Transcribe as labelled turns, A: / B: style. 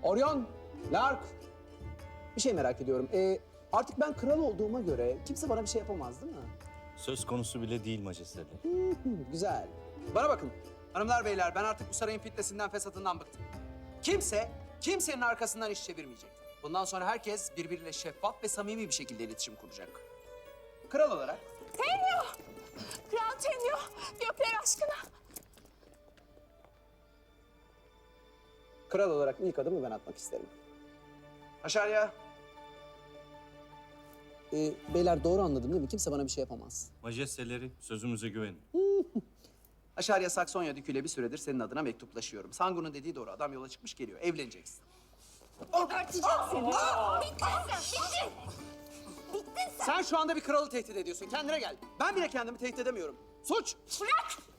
A: Orion, Lark. Bir şey merak ediyorum. Artık ben kral olduğuma göre kimse bana bir şey yapamaz değil mi?
B: Söz konusu bile değil majesteleri.
A: Güzel. Bana bakın. Hanımlar beyler ben artık bu sarayın fitnesinden fesatından bıktım. Kimsenin arkasından iş çevirmeyecek. Bundan sonra herkes birbiriyle şeffaf ve samimi bir şekilde iletişim kuracak. Kral olarak.
C: Tenyo! Kral Tenyo, gökler aşkına.
A: Kral olarak ilk adımı ben atmak isterim. Aşağıya. Beyler doğru anladım değil mi? Kimse bana bir şey yapamaz.
B: Majesteleri sözümüze güvenin.
A: Aşağıya Saksonya Dükü'yle bir süredir senin adına mektuplaşıyorum. Sangu'nun dediği doğru. Adam yola çıkmış geliyor. Evleneceksin.
C: Örteceğim seni. Bittin sen, bittin. Bittin sen.
A: Sen şu anda bir kralı tehdit ediyorsun. Kendine gel. Ben bile kendimi tehdit edemiyorum. Suç!
C: Bırak!